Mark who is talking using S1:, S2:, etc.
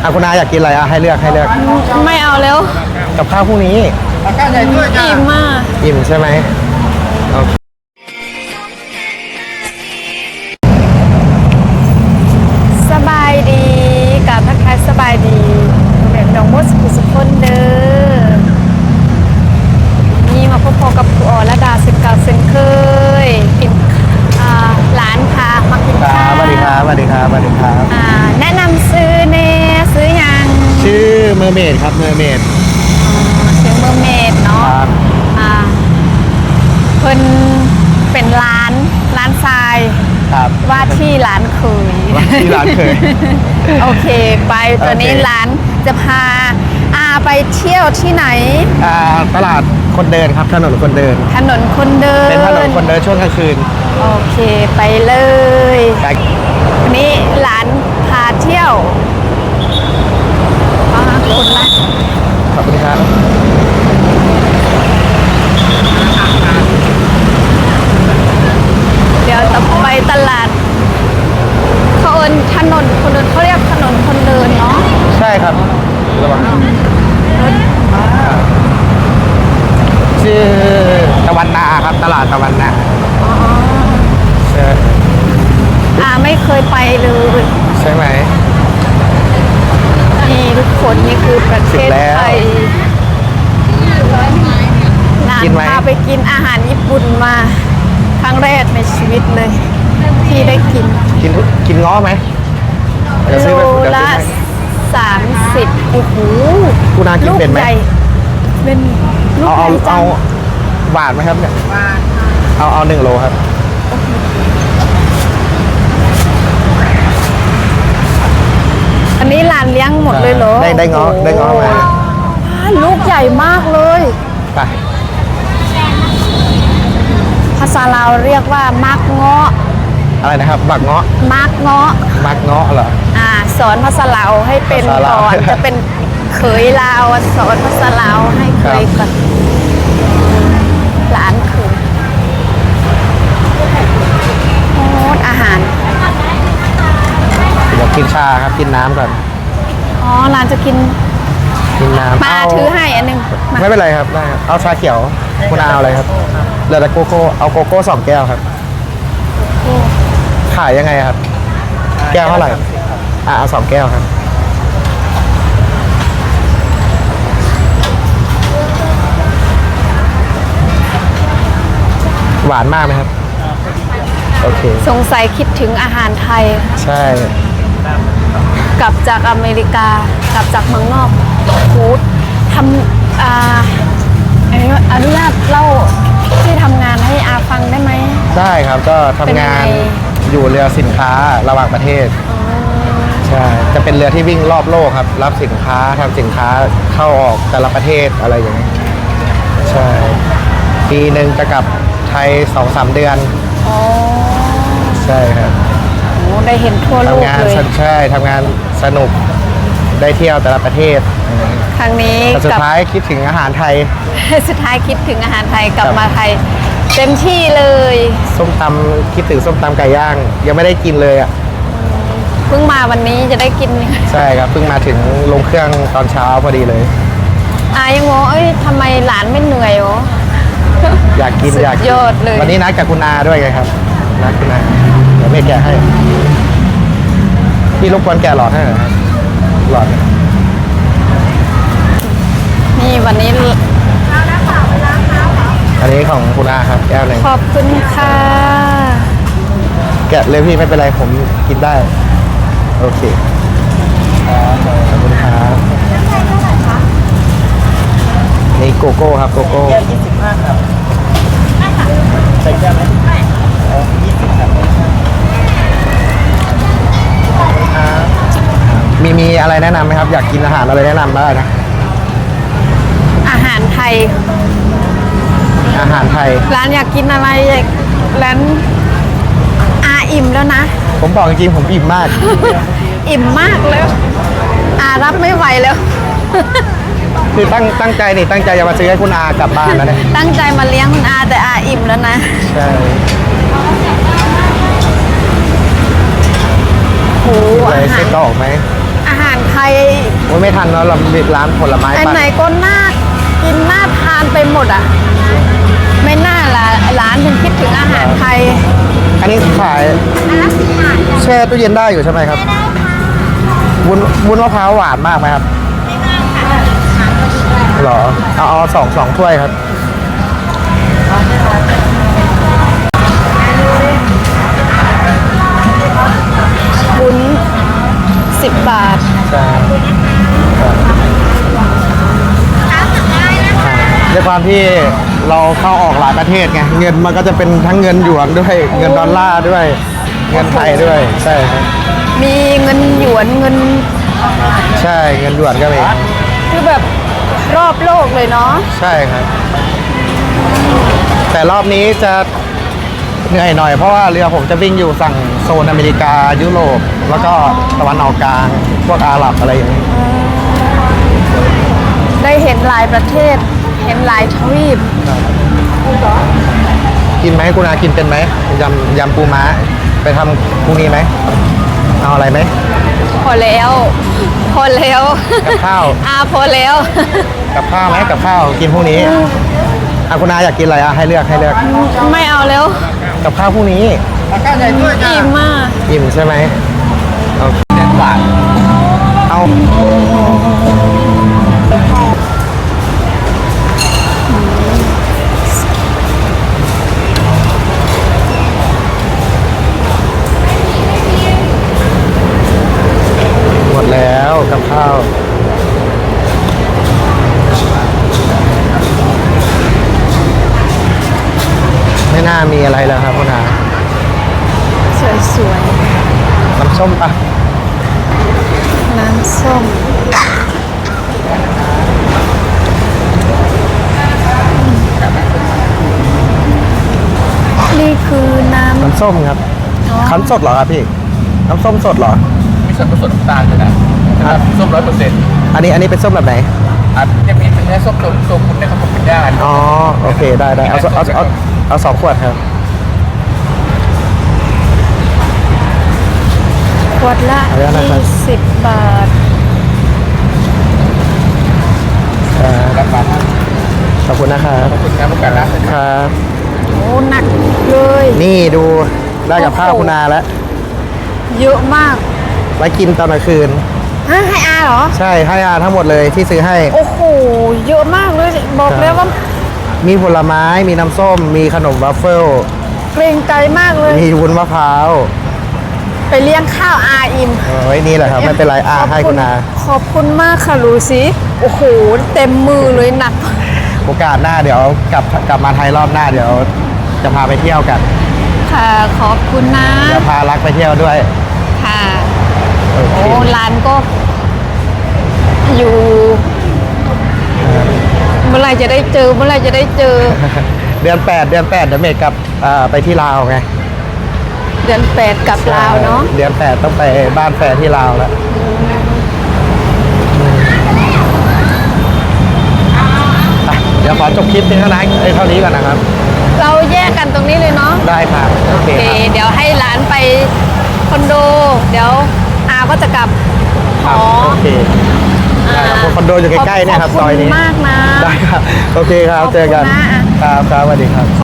S1: คุณอาอยากกินอะไรให้เลือก
S2: ไม่เอาแล้ว
S1: กับข้าวพรุ่งนี้
S2: อิ่มมาก
S1: อิ่มใช่ไหมโอเค
S2: สบายดีกับทักทายสบายดีเด็กน้องมดสุขคนเด้อนี่มาพบกับครูอรดาสิบเก่าเซนเคยกินร้านพามากินข้าว
S1: สวัสดีครับ
S2: แนะนำซื้อเน่ซื้อยัง
S1: ชื่อเมอร์เมดครับเมอร์เมด
S2: ซื้อเมอร์เมดเนาะ
S1: ครับ
S2: เพิ่นเป็นร้านทราย
S1: ครับ
S2: ว่าที่ร้านเคย
S1: ที่ร้านเคย
S2: โอเคไปตัวนี้
S1: โอเค
S2: ร้านจะพาไปเที่ยวที่ไหน
S1: ตลาดคนเดินครับถนนคนเดิน
S2: ถนนคนเดิน
S1: เป็นถนนคนเดินช่วงกลางคืน
S2: โอเคไปเลย
S1: แต่
S2: วันนี้ร้านพาเที่ยวคนละ
S1: ขอบคุณครับ
S2: เดี๋ยวจะไปตลาดเขาเอิ้นถนนคนเดินเขาเรียกถนนคนเดินเนาะ
S1: ใช่ครับระวังชื่อตะวันนาครับตลาดตะวันนาใช่
S2: ไม่เคยไปเลย
S1: ใช่ไหม
S2: นี่ทุกคนนี่คือประเทศไทยนานพาไปกินอาหารญี่ปุ่นมาครั้งแรกในชีวิตเลย ที่ได้กิน
S1: กินง้อไหมเดี๋ยวซื้อ
S2: โล
S1: ไปเดี๋ยว
S2: ละ
S1: ซื้อให้
S2: 30โอ้โห
S1: คุณอากินเป็นไหม
S2: ลูกใญ่เป็นลูก
S1: เอา
S2: ใหญ่จั
S1: เอา
S2: ง
S1: หวานไหมครับเนี่ยเอา1 โลครับ
S2: อันนี้ร้านเลี้ยงหมดเลยเหรอ
S1: ได้ง้อมา
S2: ลูกใหญ่มากเลย
S1: ไป
S2: ภาษาลาวเรียกว่ามักเงาะ
S1: อะไรนะครับบักเงาะ
S2: มักเงาะ
S1: มักเงาะเหรอ
S2: สอนภาษาลาวให้เป็น
S1: ภาษาลาว
S2: ก่อน จะเป็นเขยลาวสอนภาษาลาวให้เคยก่อนหลานเขยโอ้อาหาร
S1: เดี๋ยวกินชาครับกินน้ำก่อน
S2: อ๋อร้านจะกิน
S1: กินน้ำ
S2: มา
S1: เ
S2: ถือให้อันหนึงมา
S1: ไม่เป็นไรครับได้ครับเอาชาเขียวคุณอาเอาอะไรครับเหลือแต่โกโก้เอาโกโก้2 แก้วครับขายยังไงครับ แก้วเท่าไหร่เอา2 แก้วครับหวานมากไหมครับโอเค
S2: สงสัยคิดถึงอาหารไทย
S1: ใช่
S2: กลับจากอเมริกากลับจากเมืองนอกฟูดทำอนุญาตเล่าที่ทำงานให้อาฟังได้ไหม
S1: ได้ครับก็ทำงาน
S2: เป็นยังไง
S1: อยู่เรือสินค้าระหว่างประเทศใช่จะเป็นเรือที่วิ่งรอบโลกครับรับสินค้าทำสินค้าเข้าออกแต่ละประเทศอะไรอย่างนี้ยใช่ปีหนึ่งจะกลับไทย2-3 เดือน
S2: อ๋อ
S1: ใช่ครับ
S2: โหได้เห็นทั่วโลก
S1: ทำงาน
S2: เลย
S1: ใช่ทำงานสนุกได้เที่ยวแต่ละประเทศ
S2: ครั้งนี้
S1: แต่สุ
S2: ก
S1: ด
S2: ลับ
S1: ท้ายคิดถึงอาหารไทย
S2: สุดท้ายคิดถึงอาหารไทยกลับ
S1: ครับ
S2: มาไทย เต็มที่เลย
S1: ส้มตำคิดถึงส้มตำไก่ย่าง ยังไม่ได้กินเลยอ่ะ
S2: เพิ่งมาวันนี้จะได้กิน
S1: ใช่ครับเพิ่งมาถึงลงเครื่องตอนเช้าพอดีเลย
S2: ยังงงเอ้ยทำไมหลานไม่เหนื่อยหรอ
S1: อยากกิน
S2: สุด
S1: อยากกิน
S2: ยอดเลย
S1: วันนี้นัดกับคุณอาด้วยไงครับนัดคุณอาเดี๋ยวเมย์แกะให้พี่รบกวนแกะหลอดให้หน่อยครับหลอด
S2: นี่วันนี้
S1: อันนี้ของคุณอาครับแก้วหนึ่ง
S2: ขอบคุณค่ะ
S1: แกะเลยพี่ไม่เป็นไรผมกินได้โอเคขอบคุณครับนี่โกโก้ครับโกโก้
S3: 25 ครับใส่แก้วไหม20 ครับ
S1: มีอะไรแนะนำไหมครับ อยากกินอาหารอะไรแนะนำได้นะ
S2: อาหารไทย
S1: อาหารไทย
S2: ร้านอยากกินอะไรร้านอิ่มแล้วนะ
S1: ผมบอกจริงๆผมอิ่มมาก
S2: อิ่มมากแล้วรับไม่ไหวแล้ว
S1: คือตั้งใจนี่ตั้งใจจะมาซื้อให้คุณอากลับบ้านนะเนี่ย
S2: ตั้งใจมาเลี้ยงคุณอาแต่อิ่มแล้วนะ
S1: ใช่
S2: โห
S1: อะไร
S2: อาหา
S1: เส้
S2: ร
S1: นก็ออกไหม
S2: อาหารไททย
S1: โอ้ยไม่ทันเนาะเรามีร้านผลไม้
S2: อัน
S1: ปั่น
S2: ไหนก็น่ากินน่าทานไปหมดอ่ะ ไม่น่าละร้านถึงคิดถึงอาหารไทย
S1: อันนี้ขายแช่ตู้เย็นได้อยู่ใช่ไหมครับวุ้นมะพร้าวหวานมากไหมครับหรอเอาสองถ้วยครับ
S2: วุ้น10 บาท
S1: ใช่ด้วยความที่เราเข้าออกหลายประเทศไงเงินมันก็จะเป็นทั้งเงินหยวนด้วยเงินดอลลาร์ด้วย เงินไทยด้วยใช่ครับ
S2: มีเงินหยวนเงิน
S1: ใช่เงินหยวนก็มี
S2: คือแบบรอบโลกเลยเนาะ
S1: ใช่ครับ แต่รอบนี้จะเหนื่อยหน่อยเพราะว่าเรือผมจะวิ่งอยู่ฝั่งโซนอเมริกายุโรปแล้วก็ตะวันออกกลางพวกอาหรับอะไรอย่างนี้
S2: ได้เห็นหลายประเทศ เห็นหลายทวีป
S1: กินไหมคุณอากินเป็นไหมยำปูม้าไปทำพรุ่งนี้ไหมเอาอะไรไหม
S2: พอแล้ว พอแล้ว
S1: กับข้าว
S2: พอแล้ว
S1: กับข้าวไหมกับข้าวกินพรุ่งนี้คุณอาอยากกินอะไรให้เลือก
S2: ไม่เอาแล้ว
S1: กับข้าวพรุ่งนี้
S2: อิ่มมาก
S1: อิ่มใช่ไหมโอเคหวานเอาหมดแล้วกับข้าวไม่น่ามีอะไรแล้วครับคุณอา
S2: สวย
S1: น้ำส้มปะ
S2: ๆ น้ำส้ม นี่คือน้ำ
S1: น้ำส้มครับ
S2: อ๋อ
S1: คั้นสดเหรอครับพี่ น้ำส้มสดเหรอ
S3: มีส่วนผสมน้ำตาลอยู่นะนะครับส้ม100%
S1: อันนี้เป็นส้มแบบไหน
S3: จะมีเป็นเนื้อส้มตัวคุณนะครับผมเป็นย่าง
S1: อ๋อ โอเค ได้เอา2 ขวดครับ
S2: ขวดละ
S1: เอาแล้วนะครับ
S2: 20 บาท
S3: ราคา
S1: ขอบคุณนะครับ
S3: ขอบคุณครับผู้การร้าน
S1: ครับ
S2: โอ้หนักเลย
S1: นี่ดูได้กับข้าวคุณอาแล้ว
S2: เยอะมาก
S1: ไว้กินตอนกลางคืน
S2: ฮะให้อาเหรอ
S1: ใช่ให้อาทั้งหมดเลยที่ซื้อให้
S2: โอ้โห เยอะมากเลย บอกแล้วว่า
S1: มีผลไม้ มีน้ำส้ม มีขนมวัฟเฟิล
S2: เกรงใจมากเลย
S1: มีวุ้นมะพร้าว
S2: ไปเลี้ยงข้าวอาอิ่ม
S1: ไว้นี่แหละครับ ไม่เป็นไรอาให้คุณอา
S2: ขอบคุณมากค่ะลูซิโอ้โห เต็มมือเลยหนัก
S1: โอกาสหน้าเดี๋ยวกลับมาไทยรอบหน้าเดี๋ยวจะพาไปเที่ยวกัน
S2: ค่ะ ขอบคุณนะ
S1: เดี๋ยวพารักไปเที่ยวด้วย
S2: ค่ะ
S1: โอเค
S2: โอ้ร้านก็ อยู่ เมื่อไหรจะได้เจอ เมื่อไหรจะได้เจอ
S1: เดือน 8 เดี๋ยวเมย์กลับไปที่ลาวไง
S2: เดือน 8 กับลาวเนาะ
S1: เดือน 8 ต้องไปบ้านแฟนที่ลาวแล้วอ่ะเดี๋ยวขอจบคลิปเพียงเท่านี้ก่อนนะครับ
S2: เราแยกกันตรงนี้เลยเนาะ
S1: ได้ครับโอเค
S2: โอเค
S1: ครับ
S2: เดี๋ยวให้ร้านไปคอนโด เดี๋ยวอาก็จะกลับห
S1: ครับ
S2: อ
S1: โอเคได้ครับคอนโดอยู่ใกล้ๆเนี่ยครับซอยนี้
S2: ขอบคุณมากนะ
S1: ได้ครับโอเคครับ
S2: ขอบคุณ
S1: เจอกัน
S2: นะ
S1: ครับสวัสดีครับ